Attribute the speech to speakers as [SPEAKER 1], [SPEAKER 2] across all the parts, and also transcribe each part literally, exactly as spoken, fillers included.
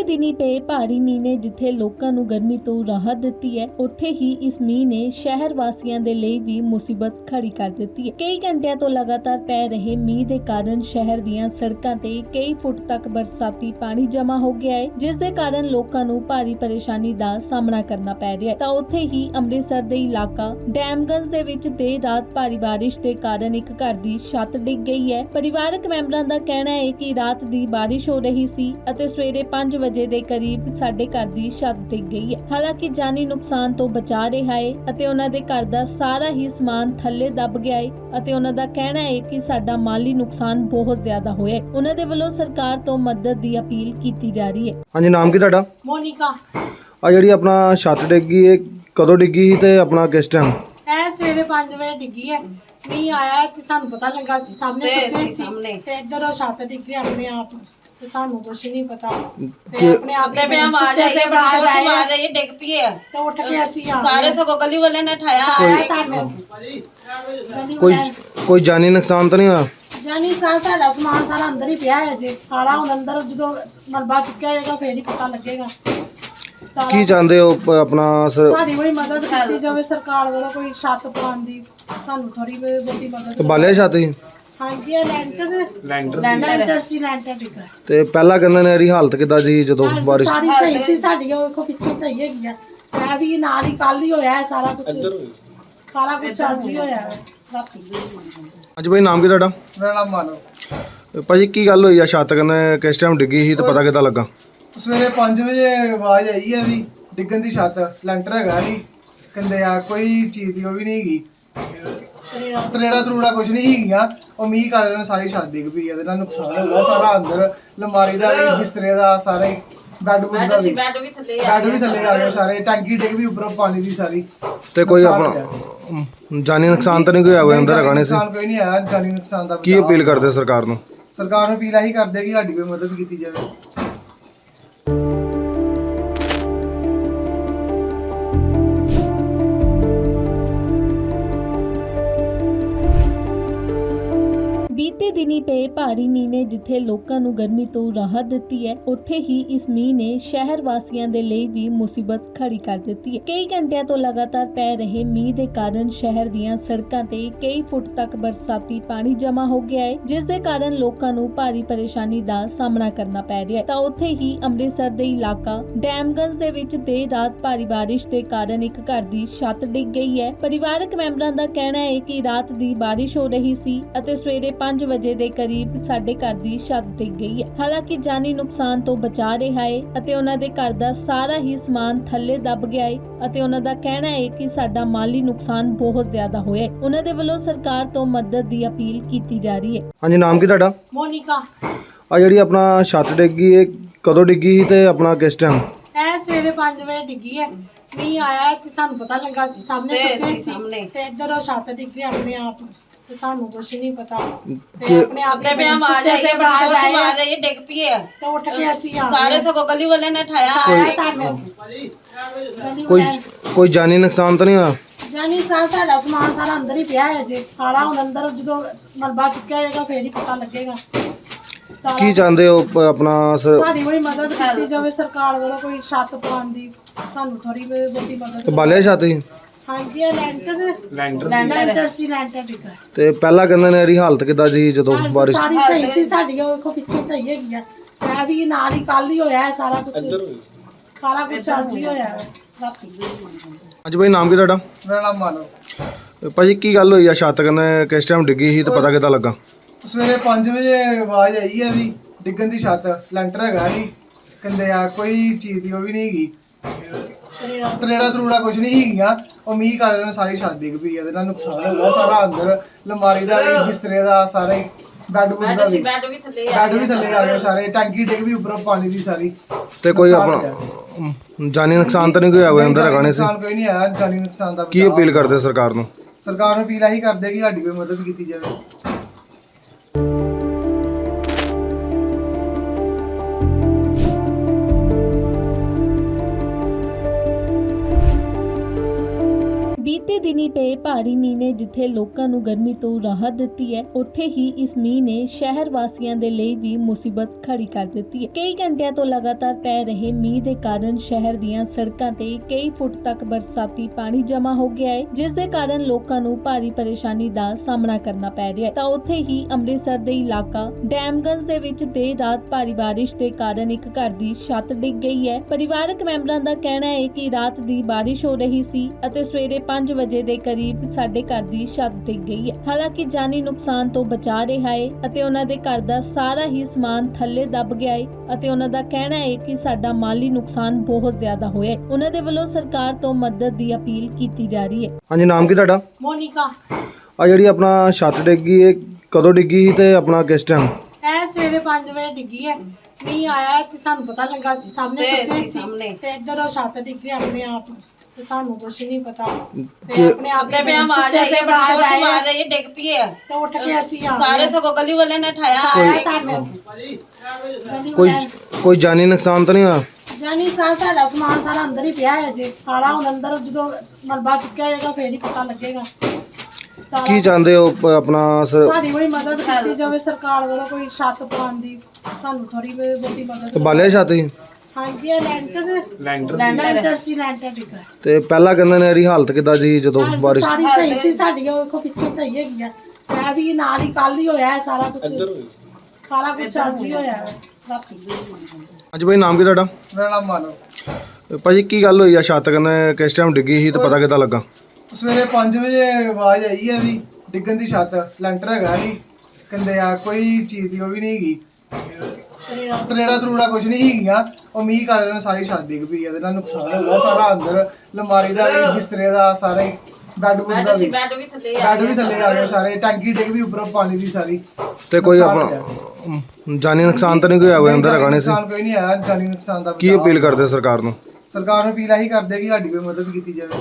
[SPEAKER 1] ਦਿਨੀ ਪਏ ਭਾਰੀ ਮੀਂਹ ਨੇ ਜਿੱਥੇ ਲੋਕਾਂ ਨੂੰ ਗਰਮੀ ਤੋਂ ਰਾਹਤ ਦਿੱਤੀ ਹੈ, ਉੱਥੇ ਹੀ ਇਸ ਮੀਂਹ ਨੇ ਸ਼ਹਿਰ ਵਾਸੀਆਂ ਦੇ ਲਈ ਵੀ ਮੁਸੀਬਤ ਖੜੀ ਕਰ ਦਿੱਤੀ ਹੈ। ਕਈ ਘੰਟਿਆਂ ਤੋਂ ਲਗਾਤਾਰ ਪੈ ਰਹੇ ਮੀਂਹ ਦੇ ਕਾਰਨ ਸ਼ਹਿਰ ਦੀਆਂ ਸੜਕਾਂ ਤੇ ਕਈ ਫੁੱਟ ਤੱਕ ਬਰਸਾਤੀ ਪਾਣੀ ਜਮ੍ਹਾਂ ਹੋ ਗਿਆ ਹੈ, ਜਿਸ ਦੇ ਕਾਰਨ ਲੋਕਾਂ ਨੂੰ ਭਾਰੀ ਪਰੇਸ਼ਾਨੀ ਦਾ ਸਾਹਮਣਾ ਕਰਨਾ ਪੈ ਰਿਹਾ ਹੈ। ਤਾਂ ਉੱਥੇ ਹੀ ਅੰਮ੍ਰਿਤਸਰ ਦੇ ਇਲਾਕਾ ਡੈਮਗੰਜ ਦੇ ਵਿੱਚ ਦੇਰ ਰਾਤ ਭਾਰੀ ਬਾਰਿਸ਼ ਦੇ ਕਾਰਨ ਇੱਕ ਘਰ ਦੀ ਛੱਤ ਡਿੱਗ ਗਈ ਹੈ। ਪਰਿਵਾਰਕ ਮੈਂਬਰਾਂ ਦਾ ਕਹਿਣਾ ਹੈ ਕਿ ਰਾਤ ਦੀ ਬਾਰਿਸ਼ ਹੋ ਰਹੀ ਸੀ ਅਤੇ ਸਵੇਰੇ ਪੰਜ ਵਜੇ ਦੇ ਕਰੀਬ ਸਾਡੇ ਘਰ ਦੀ ਛੱਤ ਡਿੱਗ ਗਈ ਹੈ। ਹਾਲਾਂਕਿ ਜਾਨੀ ਨੁਕਸਾਨ ਤੋਂ ਬਚਾ ਰਿਹਾ ਹੈ ਅਤੇ ਉਹਨਾਂ ਦੇ ਘਰ ਦਾ ਸਾਰਾ ਹੀ ਸਮਾਨ ਥੱਲੇ ਦੱਬ ਗਿਆ ਹੈ ਅਤੇ ਉਹਨਾਂ ਦਾ ਕਹਿਣਾ ਹੈ ਕਿ ਸਾਡਾ ਮਾਲੀ ਨੁਕਸਾਨ ਬਹੁਤ ਜ਼ਿਆਦਾ ਹੋਇਆ ਹੈ। ਉਹਨਾਂ ਦੇ ਵੱਲੋਂ ਸਰਕਾਰ ਤੋਂ ਮਦਦ ਦੀ ਅਪੀਲ ਕੀਤੀ ਜਾ ਰਹੀ ਹੈ।
[SPEAKER 2] ਹਾਂਜੀ, ਨਾਮ ਕੀ ਤੁਹਾਡਾ?
[SPEAKER 3] ਮੋਨਿਕਾ।
[SPEAKER 2] ਆ ਜਿਹੜੀ ਆਪਣਾ ਛੱਤ ਡਿੱਗੀ ਇਹ ਕਦੋਂ ਡਿੱਗੀ ਸੀ ਤੇ ਆਪਣਾ ਕਿਸ ਟਾਈਮ?
[SPEAKER 3] ਐ ਸਵੇਰੇ ਪੰਜ ਵਜੇ ਡਿੱਗੀ ਹੈ। ਮੀਂਹ ਆਇਆ ਤੇ ਸਾਨੂੰ ਪਤਾ ਲੱਗਾ ਸੀ ਸਾਹਮਣੇ ਸੁੱਤੇ ਸੀ ਤੇ ਇੱਧਰ ਉਹ ਛੱਤ ਡਿੱਗੀ ਆਪਣੇ ਆਪ ਤੇ ਸਾਨੂੰ ਕੁਝ ਨਹੀਂ ਪਤਾ ਤੇ ਆਪਣੇ ਆਪ
[SPEAKER 4] ਤੇ ਮੈਂ ਆਵਾਜ਼ ਆਈ ਹੈ, ਬੜੀ ਜ਼ੋਰ ਦੀ ਆਵਾਜ਼ ਆਈ ਹੈ, ਡਿੱਗ ਪਈ ਹੈ
[SPEAKER 3] ਤੇ ਉੱਠ ਕੇ ਅਸੀਂ ਆ
[SPEAKER 4] ਸਾਰੇ ਸਗੋਂ ਗਲੀ ਵਾਲੇ ਨੇ ਠਾਇਆ
[SPEAKER 3] ਸਾਨੂੰ
[SPEAKER 2] ਕੋਈ ਕੋਈ ਜਾਨੀ ਨੁਕਸਾਨ ਤਾਂ ਨਹੀਂ ਹੋਇਆ?
[SPEAKER 3] ਜਾਨੀ ਕਾ ਸਾਡਾ ਸਮਾਨ ਸਾਰਾ ਅੰਦਰ ਹੀ ਪਿਆ ਹੈ ਜੀ, ਸਾਰਾ ਹੁਣ ਅੰਦਰ ਜਦੋਂ ਮਲਬਾ ਚੁੱਕਿਆ ਜਾਏਗਾ ਫੇਰ ਹੀ ਪਤਾ ਲੱਗੇਗਾ।
[SPEAKER 2] ਕੀ ਚਾਹੁੰਦੇ ਹੋ ਪ- ਆਪਣਾ ਸ-
[SPEAKER 3] ਸਾਡੀ ਕੋਈ ਮਦਦ ਕੀਤੀ ਜਾਵੇ ਸਰਕਾਰ ਵੱਲੋਂ, ਕੋਈ ਛੱਤ ਪਾਉਣ ਦੀ ਸਾਨੂੰ ਥੋੜੀ ਬਹੁਤੀ ਮਦਦ।
[SPEAKER 2] ਬਾਲੇ ਛੱਤ ਸੀ
[SPEAKER 3] ਹਾਂਜੀ ਇਹ ਲੈਂਟਰ ਲੈਂਟਰ ਲੈਂਟਰ ਸੀ ਲੈਂਟਰ ਡਿੱਗਾ
[SPEAKER 2] ਤੇ ਪਹਿਲਾਂ ਕਹਿੰਦੇ ਨੇ ਇਹਦੀ ਹਾਲਤ ਕਿੱਦਾਂ ਸੀ ਜਦੋਂ ਬਾਰਿਸ਼?
[SPEAKER 3] ਸਾਰੀ ਸਹੀ ਸੀ ਸਾਡੀ, ਉਹ ਦੇਖੋ ਪਿੱਛੇ ਸਹੀ ਹੈਗੀ ਆ। ਮੈਂ ਵੀ ਨਾਲ ਹੀ ਕੱਲ ਹੀ ਹੋਇਆ ਹੈ ਸਾਰਾ ਕੁਝ, ਸਾਰਾ ਕੁਝ ਅੱਜ ਹੀ ਹੋਇਆ ਹੈ ਰਾਤੀ।
[SPEAKER 2] ਹਾਂਜੀ ਭਾਈ, ਨਾਮ ਕੀ ਤੁਹਾਡਾ?
[SPEAKER 5] ਮੇਰਾ ਨਾਮ ਮਾਨਵ।
[SPEAKER 2] ਭਾਜੀ ਕੀ ਗੱਲ ਹੋਈ ਆ? ਛੱਤ ਕਹਿੰਦੇ ਕਿਸ ਟਾਈਮ ਡਿੱਗੀ ਸੀ ਤੇ ਪਤਾ ਕਿੱਦਾਂ ਲੱਗਾ?
[SPEAKER 5] ਸਵੇਰੇ ਪੰਜ ਵਜੇ ਆਵਾਜ਼ ਆਈ ਹੈ ਦੀ ਡਿੱਗਣ ਦੀ, ਛੱਤ ਲੈਂਟਰ ਹੈਗਾ ਸੀ ਕਹਿੰਦੇ ਆ, ਕੋਈ ਚੀਜ਼ ਦੀ ਉਹ ਵੀ ਨਹੀਂ ਹੈਗੀ, ਤਰੇੜਾ ਤਰੂੜਾ ਕੁਝ ਨਹੀਂ ਹੈਗੀਆਂ। ਉਹ ਮੀਂਹ ਕਾਰਨ ਸਾਰੀ ਛੱਤ ਡਿੱਗ ਪਈ, ਇਹਦੇ ਨਾਲ ਨੁਕਸਾਨ ਹੋ ਗਿਆ ਸਾਰਾ, ਅੰਦਰ ਲਮਾਰੀ ਦਾ ਵੀ, ਬਿਸਤਰੇ ਦਾ, ਸਾਰੇ ਬੈੱਡ ਬੁੱਡ ਦਾ ਵੀ,
[SPEAKER 4] ਬੈੱਡ ਵੀ ਥੱਲੇ
[SPEAKER 5] ਬੈੱਡ ਵੀ ਥੱਲੇ ਆ ਗਏ ਸਾਰੇ, ਟੈਂਕੀ ਡਿੱਗ ਵੀ ਉੱਪਰੋਂ ਪਾਣੀ ਦੀ ਸਾਰੀ।
[SPEAKER 2] ਤੇ ਕੋਈ
[SPEAKER 5] ਨੁਕਸਾਨ
[SPEAKER 2] ਆਪਣਾ ਜਾਨੀ ਨੁਕਸਾਨ ਤਾਂ ਨਹੀਂ ਕੋਈ ਹੋਇਆ ਅੰਦਰ ਲਗਾਣੇ ਸੀ?
[SPEAKER 5] ਨੁਕਸਾਨ ਕੋਈ ਨਹੀਂ ਆਇਆ, ਜਾਨੀ ਨੁਕਸਾਨ ਦਾ।
[SPEAKER 2] ਕੀ ਅਪੀਲ ਕਰਦੇ ਸਰਕਾਰ ਨੂੰ?
[SPEAKER 5] ਸਰਕਾਰ ਨੂੰ ਅਪੀਲ ਇਹੀ ਕਰਦੇ ਕਿ ਸਾਡੀ ਕੋਈ ਮਦਦ ਕੀਤੀ ਜਾਵੇ।
[SPEAKER 1] ਬੀਤੇ ਦਿਨੀ ਪਏ ਭਾਰੀ ਮੀਂਹ ਨੇ ਜਿੱਥੇ ਲੋਕਾਂ ਨੂੰ ਗਰਮੀ ਤੋਂ ਰਾਹਤ ਦਿੱਤੀ ਹੈ, ਉੱਥੇ ਹੀ ਇਸ ਮੀਂਹ ਨੇ ਸ਼ਹਿਰ ਵਾਸੀਆਂ ਦੇ ਲਈ ਵੀ ਮੁਸੀਬਤ ਖੜੀ ਕਰ ਦਿੱਤੀ ਹੈ। ਕਈ ਘੰਟਿਆਂ ਤੋਂ ਲਗਾਤਾਰ ਪੈ ਰਹੇ ਮੀਂਹ ਦੇ ਕਾਰਨ ਸ਼ਹਿਰ ਦੀਆਂ ਸੜਕਾਂ ਤੇ ਕਈ ਫੁੱਟ ਤੱਕ ਬਰਸਾਤੀ ਪਾਣੀ ਜਮ੍ਹਾਂ ਹੋ ਗਿਆ ਹੈ, ਜਿਸ ਦੇ ਕਾਰਨ ਲੋਕਾਂ ਨੂੰ ਭਾਰੀ ਪਰੇਸ਼ਾਨੀ ਦਾ ਸਾਹਮਣਾ ਕਰਨਾ ਪੈ ਰਿਹਾ ਹੈ। ਤਾਂ ਉੱਥੇ ਹੀ ਅੰਮ੍ਰਿਤਸਰ ਦੇ ਇਲਾਕਾ ਡੈਮਗੰਜ ਦੇ ਵਿੱਚ ਦੇਰ ਰਾਤ ਭਾਰੀ ਬਾਰਿਸ਼ ਦੇ ਕਾਰਨ ਇੱਕ ਘਰ ਦੀ ਛੱਤ ਡਿੱਗ ਗਈ ਹੈ। ਪਰਿਵਾਰਕ ਮੈਂਬਰਾਂ ਦਾ ਕਹਿਣਾ ਹੈ ਕਿ ਰਾਤ ਦੀ ਬਾਰਿਸ਼ ਹੋ ਰਹੀ ਸੀ ਅਤੇ ਸਵੇਰੇ ਪੰਜ ਵਜੇ ਦੇ ਕਰੀਬ ਸਾਡੇ ਘਰ ਦੀ ਛੱਤ ਡਿੱਗ ਗਈ ਹੈ। ਹਾਲਾਂਕਿ ਜਾਨੀ ਨੁਕਸਾਨ ਤੋਂ ਬਚਾ ਰਿਹਾ ਹੈ ਅਤੇ ਉਹਨਾਂ ਦੇ ਘਰ ਦਾ ਸਾਰਾ ਹੀ ਸਮਾਨ ਥੱਲੇ ਦੱਬ ਗਿਆ ਹੈ ਅਤੇ ਉਹਨਾਂ ਦਾ ਕਹਿਣਾ ਹੈ ਕਿ ਸਾਡਾ ਮਾਲੀ ਨੁਕਸਾਨ ਬਹੁਤ ਜ਼ਿਆਦਾ ਹੋਇਆ ਹੈ। ਉਹਨਾਂ ਦੇ ਵੱਲੋਂ ਸਰਕਾਰ ਤੋਂ ਮਦਦ ਦੀ ਅਪੀਲ ਕੀਤੀ ਜਾ ਰਹੀ ਹੈ।
[SPEAKER 2] ਹਾਂਜੀ, ਨਾਮ ਕੀ ਤੁਹਾਡਾ?
[SPEAKER 3] ਮੋਨਿਕਾ।
[SPEAKER 2] ਆ ਜਿਹੜੀ ਆਪਣਾ ਛੱਤ ਡਿੱਗੀ ਇਹ ਕਦੋਂ ਡਿੱਗੀ ਸੀ ਤੇ ਆਪਣਾ ਕਿਸ ਟਾਈਮ?
[SPEAKER 3] ਐ ਸਵੇਰੇ ਪੰਜ ਵਜੇ ਡਿੱਗੀ ਹੈ। ਮੀਂਹ ਆਇਆ ਤੇ ਸਾਨੂੰ ਪਤਾ ਲੱਗਾ ਸੀ ਸਾਹਮਣੇ ਸੁੱਤੇ ਸੀ ਤੇ ਇੱਧਰ ਉਹ ਛੱਤ ਡਿੱਗੀ ਆਪਣੇ ਆਪ ਤੇ ਸਾਨੂੰ ਕੁਝ ਨਹੀਂ ਪਤਾ ਤੇ ਆਪਣੇ ਆਪ
[SPEAKER 4] ਤੇ ਮੈਂ ਆਵਾਜ਼ ਆਈ ਹੈ, ਬੜੀ ਜ਼ੋਰ ਦੀ ਆਵਾਜ਼ ਆਈ ਹੈ, ਡਿੱਗ ਪਈ ਹੈ
[SPEAKER 3] ਤੇ ਉੱਠ ਕੇ ਅਸੀਂ ਆ
[SPEAKER 4] ਸਾਰੇ ਸਗੋਂ ਗਲੀ ਵਾਲੇ ਨੇ ਠਾਇਆ
[SPEAKER 2] ਕੋਈ ਕੋਈ ਜਾਨੀ ਨੁਕਸਾਨ ਤਾਂ ਨਹੀਂ ਹੋਇਆ?
[SPEAKER 3] ਜਾਨੀ ਕਾ ਸਾਡਾ ਸਮਾਨ ਸਾਰਾ ਅੰਦਰ ਹੀ ਪਿਆ ਹੈ ਜੀ, ਸਾਰਾ ਹੁਣ ਅੰਦਰ ਜਦੋਂ ਮਲਬਾ ਚੁੱਕਿਆ ਜਾਏਗਾ ਫੇਰ ਹੀ ਪਤਾ ਲੱਗੇਗਾ।
[SPEAKER 2] ਕੀ ਚਾਹੁੰਦੇ ਹੋ ਪ- ਆਪਣਾ ਸ-
[SPEAKER 3] ਸਾਡੀ ਕੋਈ ਮਦਦ ਕੀਤੀ ਜਾਵੇ ਸਰਕਾਰ ਵੱਲੋਂ, ਕੋਈ ਛੱਤ ਪਾਉਣ ਦੀ ਸਾਨੂੰ ਥੋੜੀ ਬਹੁਤੀ ਮਦਦ।
[SPEAKER 2] ਬਾਲੇ ਛੱਤ ਸੀ
[SPEAKER 3] ਹਾਂਜੀ ਇਹ ਲੈਂਟਰ ਲੈਂਟਰ ਸੀ ਲੈਂਟਰ ਡਿੱਗਾ
[SPEAKER 2] ਤੇ ਪਹਿਲਾਂ ਕਹਿੰਦੇ ਨੇ ਇਹਦੀ ਹਾਲਤ ਕਿੱਦਾਂ ਸੀ ਜਦੋਂ ਬਾਰਿਸ਼?
[SPEAKER 3] ਸਾਰੀ ਸਹੀ ਸੀ ਸਾਡੀ, ਉਹ ਦੇਖੋ ਪਿੱਛੇ ਸਹੀ ਹੈਗੀ ਆ। ਮੈਂ ਵੀ ਨਾਲ ਹੀ ਕੱਲ ਹੀ ਹੋਇਆ ਹੈ ਸਾਰਾ ਕੁਝ, ਸਾਰਾ ਕੁਝ ਅੱਜ ਹੀ ਹੋਇਆ ਹੈ ਰਾਤੀ।
[SPEAKER 2] ਹਾਂਜੀ ਭਾਈ, ਨਾਮ ਕੀ ਤੁਹਾਡਾ?
[SPEAKER 5] ਮੇਰਾ ਨਾਮ ਮਾਨਵ।
[SPEAKER 2] ਭਾਜੀ ਕੀ ਗੱਲ ਹੋਈ ਆ? ਛੱਤ ਕਹਿੰਦੇ ਕਿਸ ਟਾਈਮ ਡਿੱਗੀ ਸੀ ਤੇ ਪਤਾ ਕਿੱਦਾਂ ਲੱਗਾ?
[SPEAKER 5] ਸਵੇਰੇ ਪੰਜ ਵਜੇ ਆਵਾਜ਼ ਆਈ ਹੈ ਦੀ ਡਿੱਗਣ ਦੀ, ਛੱਤ ਲੈਂਟਰ ਹੈਗਾ ਸੀ ਕਹਿੰਦੇ ਆ, ਕੋਈ ਚੀਜ਼ ਦੀ ਉਹ ਵੀ ਨਹੀਂ ਹੈਗੀ, ਤਰੇੜਾ ਤਰੂੜਾ ਕੁਝ ਨਹੀਂ ਹੈਗੀਆਂ। ਉਹ ਮੀਂਹ ਕਾਰਨ ਸਾਰੀ ਛੱਤ ਡਿੱਗ ਪਈ, ਇਹਦੇ ਨਾਲ ਨੁਕਸਾਨ ਹੋ ਗਿਆ ਸਾਰਾ, ਅੰਦਰ ਲਮਾਰੀ ਦਾ ਵੀ, ਬਿਸਤਰੇ ਦਾ, ਸਾਰੇ ਬੈੱਡ ਬੁੱਡ ਦਾ ਵੀ,
[SPEAKER 4] ਬੈੱਡ ਵੀ ਥੱਲੇ
[SPEAKER 5] ਬੈੱਡ ਵੀ ਥੱਲੇ ਆ ਗਏ ਸਾਰੇ, ਟੈਂਕੀ ਡਿੱਗ ਵੀ ਉੱਪਰੋਂ ਪਾਣੀ ਦੀ ਸਾਰੀ।
[SPEAKER 2] ਤੇ ਕੋਈ
[SPEAKER 5] ਨੁਕਸਾਨ
[SPEAKER 2] ਆਪਣਾ ਜਾਨੀ ਨੁਕਸਾਨ ਤਾਂ ਨਹੀਂ ਕੋਈ ਹੋਇਆ ਅੰਦਰ ਲਗਾਣੇ ਸੀ?
[SPEAKER 5] ਨੁਕਸਾਨ ਕੋਈ ਨਹੀਂ ਆਇਆ, ਜਾਨੀ ਨੁਕਸਾਨ ਦਾ।
[SPEAKER 2] ਕੀ ਅਪੀਲ ਕਰਦੇ ਸਰਕਾਰ ਨੂੰ?
[SPEAKER 5] ਸਰਕਾਰ ਨੂੰ ਅਪੀਲ ਇਹੀ ਕਰਦੇ ਕਿ ਸਾਡੀ ਕੋਈ ਮਦਦ ਕੀਤੀ ਜਾਵੇ।
[SPEAKER 1] ਬੀਤੇ ਦਿਨੀ ਪਏ ਭਾਰੀ ਮੀਂਹ ਨੇ ਜਿੱਥੇ ਲੋਕਾਂ ਨੂੰ ਗਰਮੀ ਤੋਂ ਰਾਹਤ ਦਿੱਤੀ ਹੈ, ਉੱਥੇ ਹੀ ਇਸ ਮੀਂਹ ਨੇ ਸ਼ਹਿਰ ਵਾਸੀਆਂ ਦੇ ਲਈ ਵੀ ਮੁਸੀਬਤ ਖੜੀ ਕਰ ਦਿੱਤੀ ਹੈ। ਕਈ ਘੰਟਿਆਂ ਤੋਂ ਲਗਾਤਾਰ ਪੈ ਰਹੇ ਮੀਂਹ ਦੇ ਕਾਰਨ ਸ਼ਹਿਰ ਦੀਆਂ ਸੜਕਾਂ ਤੇ ਕਈ ਫੁੱਟ ਤੱਕ ਬਰਸਾਤੀ ਪਾਣੀ ਜਮ੍ਹਾਂ ਹੋ ਗਿਆ ਹੈ, ਜਿਸ ਦੇ ਕਾਰਨ ਲੋਕਾਂ ਨੂੰ ਭਾਰੀ ਪਰੇਸ਼ਾਨੀ ਦਾ ਸਾਹਮਣਾ ਕਰਨਾ ਪੈ ਰਿਹਾ ਹੈ। ਤਾਂ ਉੱਥੇ ਹੀ ਅੰਮ੍ਰਿਤਸਰ ਦੇ ਇਲਾਕਾ ਡੈਮਗੰਜ ਦੇ ਵਿੱਚ ਦੇਰ ਰਾਤ ਭਾਰੀ ਬਾਰਿਸ਼ ਦੇ ਕਾਰਨ ਇੱਕ ਘਰ ਦੀ ਛੱਤ ਡਿੱਗ ਗਈ ਹੈ। ਪਰਿਵਾਰਕ ਮੈਂਬਰਾਂ ਦਾ ਕਹਿਣਾ ਹੈ ਕਿ ਰਾਤ ਦੀ ਬਾਰਿਸ਼ ਹੋ ਰਹੀ ਸੀ ਅਤੇ ਸਵੇਰੇ ਪੰਜ ਵਜੇ ਦੇ ਕਰੀਬ ਸਾਡੇ ਘਰ ਦੀ ਛੱਤ ਡਿੱਗ ਗਈ ਹੈ। ਹਾਲਾਂਕਿ ਜਾਨੀ ਨੁਕਸਾਨ ਤੋਂ ਬਚਾ ਰਿਹਾ ਹੈ ਅਤੇ ਉਹਨਾਂ ਦੇ ਘਰ ਦਾ ਸਾਰਾ ਹੀ ਸਮਾਨ ਥੱਲੇ ਦਬ ਗਿਆ ਹੈ ਅਤੇ ਉਹਨਾਂ ਦਾ ਕਹਿਣਾ ਹੈ ਕਿ ਸਾਡਾ ਮਾਲੀ ਨੁਕਸਾਨ ਬਹੁਤ ਜ਼ਿਆਦਾ ਹੋਇਆ ਹੈ। ਉਹਨਾਂ ਦੇ ਵੱਲੋਂ ਸਰਕਾਰ ਤੋਂ ਮਦਦ ਦੀ ਅਪੀਲ ਕੀਤੀ ਜਾ ਰਹੀ ਹੈ।
[SPEAKER 2] ਹਾਂਜੀ, ਨਾਮ ਕੀ ਤੁਹਾਡਾ?
[SPEAKER 3] ਮੋਨਿਕਾ।
[SPEAKER 2] ਆ ਜਿਹੜੀ ਆਪਣਾ ਛੱਤ ਡਿੱਗੀ ਇਹ ਕਦੋਂ ਡਿੱਗੀ ਸੀ ਤੇ ਆਪਣਾ ਕਿਸ ਟਾਈਮ?
[SPEAKER 3] ਇਹ ਸਵੇਰੇ ਪੰਜ ਵਜੇ ਡਿੱਗੀ ਹੈ। ਮੀਂਹ ਆਇਆ ਤੇ ਸਾਨੂੰ ਪਤਾ ਲੱਗਾ ਸੀ ਸਾਹਮਣੇ ਸੁੱਤੇ ਸੀ ਤੇ ਇੱਧਰ ਉਹ ਛੱਤ ਡਿੱਗੀ ਆਪਣੇ ਆਪ ਤੇ ਸਾਨੂੰ ਕੁਝ ਨਹੀਂ ਪਤਾ ਤੇ ਆਪਣੇ ਆਪ
[SPEAKER 4] ਤੇ ਪਿਆ ਆਵਾਜ਼ ਆਈ ਹੈ, ਬੜੀ ਜ਼ੋਰ ਦੀ ਆਵਾਜ਼ ਆਈ ਹੈ, ਡਿੱਗ ਪਈ ਹੈ।
[SPEAKER 3] ਤੇ ਉੱਠ ਕੇ ਅਸੀਂ ਆ
[SPEAKER 4] ਸਾਰੇ ਸਗੋਂ ਗਲੀ ਵਾਲੇ ਨੇ ਠਾਇਆ
[SPEAKER 3] ਗਏ ਸਾਨੂੰ
[SPEAKER 2] ਕੋਈ ਕੋਈ ਜਾਨੀ ਨੁਕਸਾਨ ਤਾਂ ਨਹੀਂ ਹੋਇਆ?
[SPEAKER 3] ਜਾਨੀ ਤਾਂ ਸਾਡਾ ਸਮਾਨ ਸਾਰਾ ਅੰਦਰ ਹੀ ਪਿਆ ਹੈ ਜੀ, ਸਾਰਾ ਹੁਣ ਅੰਦਰ ਜਦੋਂ ਮਲਬਾ ਚੁੱਕਿਆ ਜਾਏਗਾ ਫੇਰ ਹੀ ਪਤਾ ਲੱਗੇਗਾ। ਸਾਰਾ
[SPEAKER 2] ਕੀ ਚਾਹੁੰਦੇ ਹੋ ਪ- ਆਪਣਾ ਸ-
[SPEAKER 3] ਸਾਡੀ ਕੋਈ ਮਦਦ ਕੀਤੀ ਜਾਵੇ ਸਰਕਾਰ ਵੱਲੋਂ, ਕੋਈ ਛੱਤ ਪਾਉਣ ਦੀ ਸਾਨੂੰ ਥੋੜੀ ਬਹੁਤੀ ਮਦਦ।
[SPEAKER 2] ਤੇ ਬਾਲਿਆ ਛੱਤ ਸੀ
[SPEAKER 3] ਹਾਂਜੀ, ਇਹ ਲੈਂਟਰ ਲੈਂਟਰ ਸੀ, ਲੈਂਟਰ ਡਿੱਗਾ
[SPEAKER 2] ਤੇ ਪਹਿਲਾਂ ਕਹਿੰਦੇ ਨੇ ਇਹਦੀ ਹਾਲਤ ਕਿੱਦਾਂ ਸੀ ਜਦੋਂ ਬਾਰਿਸ਼?
[SPEAKER 3] ਸਾਰੀ ਸਹੀ ਸੀ ਸਾਡੀ, ਉਹ ਦੇਖੋ ਪਿੱਛੇ ਸਹੀ ਹੈਗੀ ਆ। ਮੈਂ ਵੀ ਨਾਲ ਹੀ ਕੱਲ ਹੀ ਹੋਇਆ ਹੈ ਸਾਰਾ ਕੁਝ, ਸਾਰਾ ਕੁਝ ਅੱਜ ਹੀ ਹੋਇਆ ਹੈ ਰਾਤੀ।
[SPEAKER 2] ਅੱਜ ਭਾਈ ਨਾਮ ਕੀ ਤੁਹਾਡਾ?
[SPEAKER 5] ਮੇਰਾ ਨਾਮ ਮਾਨਵ।
[SPEAKER 2] ਭਾਜੀ ਕੀ ਗੱਲ ਹੋਈ ਆ? ਛੱਤ ਕਹਿੰਦੇ ਕਿਸ ਟਾਈਮ ਡਿੱਗੀ ਸੀ ਤੇ ਪਤਾ ਕਿੱਦਾਂ ਲੱਗਾ?
[SPEAKER 5] ਸਵੇਰੇ ਪੰਜ ਵਜੇ ਆਵਾਜ਼ ਆਈ ਹੈ ਦੀ ਡਿੱਗਣ ਦੀ ਛੱਤ, ਲੈਂਟਰ ਹੈਗਾ ਸੀ, ਕਹਿੰਦੇ ਆ ਕੋਈ ਚੀਜ਼ ਦੀ ਉਹ ਵੀ ਨਹੀਂ ਹੈਗੀ, ਤਰੇੜਾ ਤਰੂੜਾ ਕੁਝ ਨਹੀਂ ਹੈਗੀਆਂ। ਉਹ ਮੀਂਹ ਕਾਰਨ ਸਾਰੀ ਛੱਤ ਡਿੱਗ ਪਈ, ਇਹਦੇ ਨਾਲ ਨੁਕਸਾਨ ਹੋ ਗਿਆ ਸਾਰਾ, ਅੰਦਰ ਲਮਾਰੀ ਦਾ ਵੀ, ਬਿਸਤਰੇ ਦਾ, ਸਾਰੇ ਬੈੱਡ ਬੁੱਡ ਦਾ ਵੀ,
[SPEAKER 4] ਬੈੱਡ ਵੀ ਥੱਲੇ
[SPEAKER 5] ਬੈੱਡ ਵੀ ਥੱਲੇ ਆ ਗਏ ਸਾਰੇ, ਟੈਂਕੀ ਡਿੱਗ ਵੀ ਉੱਪਰੋਂ ਪਾਣੀ ਦੀ ਸਾਰੀ।
[SPEAKER 2] ਤੇ ਕੋਈ
[SPEAKER 5] ਨੁਕਸਾਨ
[SPEAKER 2] ਆਪਣਾ ਜਾਨੀ ਨੁਕਸਾਨ ਤਾਂ ਨਹੀਂ ਕੋਈ ਹੋਇਆ? ਅੰਦਰ ਹੈਗਾ ਨਹੀਂ ਸੀ?
[SPEAKER 5] ਨੁਕਸਾਨ ਕੋਈ ਨਹੀਂ ਆਇਆ, ਜਾਨੀ ਨੁਕਸਾਨ ਦਾ
[SPEAKER 2] ਕੀ
[SPEAKER 5] ਬਚਾਅ।
[SPEAKER 2] ਅਪੀਲ ਕਰਦੇ ਸਰਕਾਰ ਨੂੰ?
[SPEAKER 5] ਸਰਕਾਰ ਨੂੰ ਅਪੀਲ ਇਹੀ ਕਰਦੇ ਕਿ ਸਾਡੀ ਕੋਈ ਮਦਦ ਕੀਤੀ ਜਾਵੇ।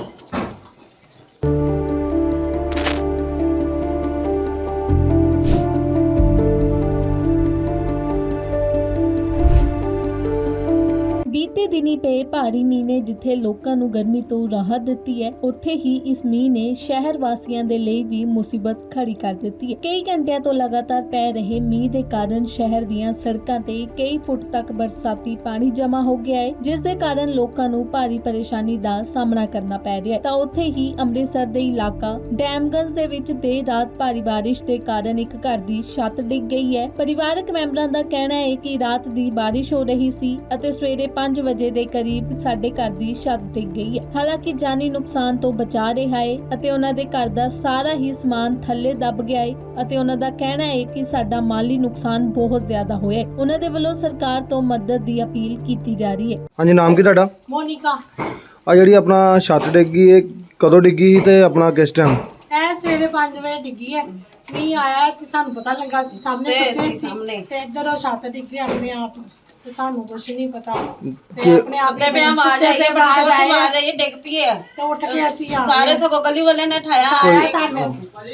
[SPEAKER 1] ਬੀਤੇ ਦਿਨੀ ਪਏ ਭਾਰੀ ਮੀਂਹ ਨੇ ਜਿੱਥੇ ਲੋਕਾਂ ਨੂੰ ਗਰਮੀ ਤੋਂ ਰਾਹਤ ਦਿੱਤੀ ਹੈ, ਉੱਥੇ ਹੀ ਇਸ ਮੀਂਹ ਨੇ ਸ਼ਹਿਰ ਵਾਸੀਆਂ ਦੇ ਲਈ ਵੀ ਮੁਸੀਬਤ ਖੜੀ ਕਰ ਦਿੱਤੀ ਹੈ। ਕਈ ਘੰਟਿਆਂ ਤੋਂ ਲਗਾਤਾਰ ਪੈ ਰਹੇ ਮੀਂਹ ਦੇ ਕਾਰਨ ਸ਼ਹਿਰ ਦੀਆਂ ਸੜਕਾਂ ਤੇ ਕਈ ਫੁੱਟ ਤੱਕ ਬਰਸਾਤੀ ਪਾਣੀ ਜਮ੍ਹਾਂ ਹੋ ਗਿਆ ਹੈ, ਜਿਸ ਦੇ ਕਾਰਨ ਲੋਕਾਂ ਨੂੰ ਭਾਰੀ ਪਰੇਸ਼ਾਨੀ ਦਾ ਸਾਹਮਣਾ ਕਰਨਾ ਪੈ ਰਿਹਾ ਹੈ। ਤਾਂ ਉੱਥੇ ਹੀ ਅੰਮ੍ਰਿਤਸਰ ਦੇ ਇਲਾਕਾ ਡੈਮਗੰਜ ਦੇ ਵਿੱਚ ਦੇਰ ਰਾਤ ਭਾਰੀ ਬਾਰਿਸ਼ ਦੇ ਕਾਰਨ ਇੱਕ ਘਰ ਦੀ ਛੱਤ ਡਿੱਗ ਗਈ ਹੈ। ਪਰਿਵਾਰਕ ਮੈਂਬਰਾਂ ਦਾ ਕਹਿਣਾ ਹੈ ਕਿ ਰਾਤ ਦੀ ਬਾਰਿਸ਼ ਹੋ ਰਹੀ ਸੀ ਅਤੇ ਸਵੇਰੇ ਪੰਜ ਵਜੇ ਦੇ ਕਰੀਬ ਸਾਡੇ ਘਰ ਦੀ ਛੱਤ ਡਿੱਗ ਗਈ ਹੈ। ਹਾਲਾਂਕਿ ਜਾਨੀ ਨੁਕਸਾਨ ਤੋਂ ਬਚਾ ਰਿਹਾ ਹੈ ਅਤੇ ਉਹਨਾਂ ਦੇ ਘਰ ਦਾ ਸਾਰਾ ਹੀ ਸਮਾਨ ਥੱਲੇ ਦਬ ਗਿਆ ਹੈ ਅਤੇ ਉਹਨਾਂ ਦਾ ਕਹਿਣਾ ਹੈ ਕਿ ਸਾਡਾ ਮਾਲੀ ਨੁਕਸਾਨ ਬਹੁਤ ਜ਼ਿਆਦਾ ਹੋਇਆ ਹੈ। ਉਹਨਾਂ ਦੇ ਵੱਲੋਂ ਸਰਕਾਰ ਤੋਂ ਮਦਦ ਦੀ ਅਪੀਲ ਕੀਤੀ ਜਾ ਰਹੀ ਹੈ।
[SPEAKER 2] ਹਾਂਜੀ, ਨਾਮ ਕੀ ਤੁਹਾਡਾ?
[SPEAKER 3] ਮੋਨਿਕਾ।
[SPEAKER 2] ਆ ਜਿਹੜੀ ਆਪਣਾ ਛੱਤ ਡਿੱਗੀ ਇਹ ਕਦੋਂ ਡਿੱਗੀ ਸੀ ਤੇ ਆਪਣਾ ਕਿਸ ਟਾਈਮ?
[SPEAKER 3] ਇਹ ਸਵੇਰੇ ਪੰਜ ਵਜੇ ਡਿੱਗੀ ਹੈ। ਮੀਂਹ ਆਇਆ ਤੇ ਸਾਨੂੰ ਪਤਾ ਲੱਗਾ ਸੀ ਸਾਹਮਣੇ ਸੁੱਤੇ ਸੀ ਤੇ ਇੱਧਰ ਉਹ ਛੱਤ ਡਿੱਗੀ ਆਪਣੇ ਆਪ ਤੇ ਸਾਨੂੰ ਕੁਝ ਨਹੀਂ ਪਤਾ ਤੇ ਆਪਣੇ ਆਪ
[SPEAKER 4] ਤੇ ਪਿਆ ਆਵਾਜ਼ ਆਈ ਹੈ, ਬੜੀ ਜ਼ੋਰ ਦੀ ਆਵਾਜ਼ ਆਈ ਹੈ, ਡਿੱਗ ਪਈ ਹੈ।
[SPEAKER 3] ਤੇ ਉੱਠ ਕੇ ਅਸੀਂ ਆ
[SPEAKER 4] ਸਾਰੇ ਸਗੋਂ ਗਲੀ ਵਾਲੇ ਨੇ ਠਾਇਆ
[SPEAKER 3] ਸਾਨੂੰ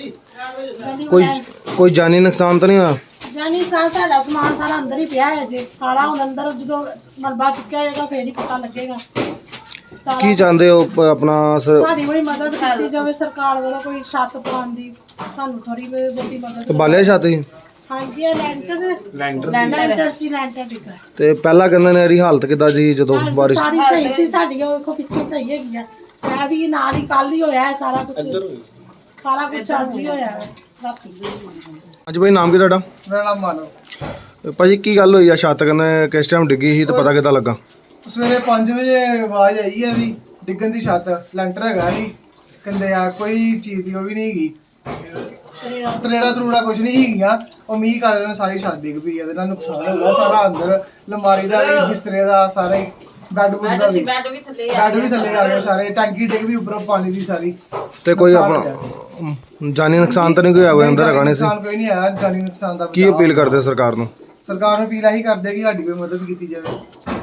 [SPEAKER 2] ਕੋਈ ਕੋਈ ਜਾਨੀ ਨੁਕਸਾਨ ਤਾਂ ਨਹੀਂ ਹੋਇਆ?
[SPEAKER 3] ਜਾਨੀ ਤਾਂ ਸਾਡਾ ਸਮਾਨ ਸਾਰਾ ਅੰਦਰ ਹੀ ਪਿਆ ਹੈ ਜੀ, ਸਾਰਾ ਹੁਣ ਅੰਦਰ ਜਦੋਂ ਮਲਬਾ ਚੁੱਕਿਆ ਜਾਏਗਾ ਫੇਰ ਹੀ ਪਤਾ ਲੱਗੇਗਾ। ਸਾਰਾ
[SPEAKER 2] ਕੀ ਚਾਹੁੰਦੇ ਹੋ ਪ- ਆਪਣਾ ਸ-
[SPEAKER 3] ਸਾਡੀ ਕੋਈ ਮਦਦ ਕੀਤੀ ਜਾਵੇ ਸਰਕਾਰ ਵੱਲੋਂ, ਕੋਈ ਛੱਤ ਪਾਉਣ ਦੀ ਸਾਨੂੰ ਥੋੜੀ ਬਹੁਤੀ ਮਦਦ।
[SPEAKER 2] ਤੇ ਬਾਲਿਆ ਛੱਤ ਸੀ
[SPEAKER 3] ਹਾਂਜੀ, ਇਹ ਲੈਂਟਰ ਲੈਂਟਰ ਸੀ, ਲੈਂਟਰ ਡਿੱਗਾ।
[SPEAKER 2] ਤੇ ਪਹਿਲਾਂ ਕਹਿੰਦੇ ਨੇ ਇਹਦੀ ਹਾਲਤ ਕਿੱਦਾਂ ਸੀ ਜਦੋਂ ਬਾਰਿਸ਼?
[SPEAKER 3] ਸਾਰੀ ਸਹੀ ਸੀ ਸਾਡੀ, ਉਹ ਦੇਖੋ ਪਿੱਛੇ ਸਹੀ ਹੈਗੀ ਆ। ਮੈਂ ਵੀ ਨਾਲ ਹੀ ਕੱਲ ਹੀ ਹੋਇਆ ਹੈ ਸਾਰਾ ਕੁਝ, ਸਾਰਾ ਕੁਝ ਅੱਜ ਹੀ ਹੋਇਆ ਹੈ ਰਾਤੀ।
[SPEAKER 2] ਅੱਜ ਭਾਈ ਨਾਮ ਕੀ ਤੁਹਾਡਾ?
[SPEAKER 5] ਮੇਰਾ ਨਾਮ ਮਾਨਵ।
[SPEAKER 2] ਭਾਜੀ ਕੀ ਗੱਲ ਹੋਈ ਆ? ਛੱਤ ਕਹਿੰਦੇ ਕਿਸ ਟਾਈਮ ਡਿੱਗੀ ਸੀ ਤੇ ਪਤਾ ਕਿੱਦਾਂ ਲੱਗਾ?
[SPEAKER 5] ਸਵੇਰੇ ਪੰਜ ਵਜੇ ਆਵਾਜ਼ ਆਈ ਹੈ ਦੀ ਡਿੱਗਣ ਦੀ ਛੱਤ, ਲੈਂਟਰ ਹੈਗਾ ਸੀ, ਕਹਿੰਦੇ ਆ ਕੋਈ ਚੀਜ਼ ਦੀ ਉਹ ਵੀ ਨਹੀਂ ਹੈਗੀ, ਤਰੇੜਾ ਤਰੂੜਾ ਕੁਝ ਨਹੀਂ ਹੈਗੀਆਂ। ਉਹ ਮੀਂਹ ਕਾਰਨ ਸਾਰੀ ਛੱਤ ਡਿੱਗ ਪਈ, ਇਹਦੇ ਨਾਲ ਨੁਕਸਾਨ ਹੋ ਗਿਆ ਸਾਰਾ, ਅੰਦਰ ਲਮਾਰੀ ਦਾ ਵੀ, ਬਿਸਤਰੇ ਦਾ, ਸਾਰੇ ਬੈੱਡ ਬੁੱਡ ਦਾ ਵੀ,
[SPEAKER 4] ਬੈੱਡ ਵੀ ਥੱਲੇ
[SPEAKER 5] ਬੈੱਡ ਵੀ ਥੱਲੇ ਆ ਗਏ ਸਾਰੇ, ਟੈਂਕੀ ਡਿੱਗ ਵੀ ਉੱਪਰੋਂ ਪਾਣੀ ਦੀ ਸਾਰੀ।
[SPEAKER 2] ਤੇ ਕੋਈ
[SPEAKER 5] ਨੁਕਸਾਨ
[SPEAKER 2] ਆਪਣਾ ਜਾਨੀ ਨੁਕਸਾਨ ਤਾਂ ਨਹੀਂ ਕੋਈ ਹੋਇਆ? ਅੰਦਰ ਹੈਗਾ ਨਹੀਂ ਸੀ?
[SPEAKER 5] ਨੁਕਸਾਨ ਕੋਈ ਨਹੀਂ ਆਇਆ, ਜਾਨੀ ਨੁਕਸਾਨ ਦਾ
[SPEAKER 2] ਕੀ
[SPEAKER 5] ਬਚਾਅ।
[SPEAKER 2] ਅਪੀਲ ਕਰਦੇ ਸਰਕਾਰ ਨੂੰ?
[SPEAKER 5] ਸਰਕਾਰ ਨੂੰ ਅਪੀਲ ਇਹੀ ਕਰਦੇ ਕਿ ਸਾਡੀ ਕੋਈ ਮਦਦ ਕੀਤੀ ਜਾਵੇ।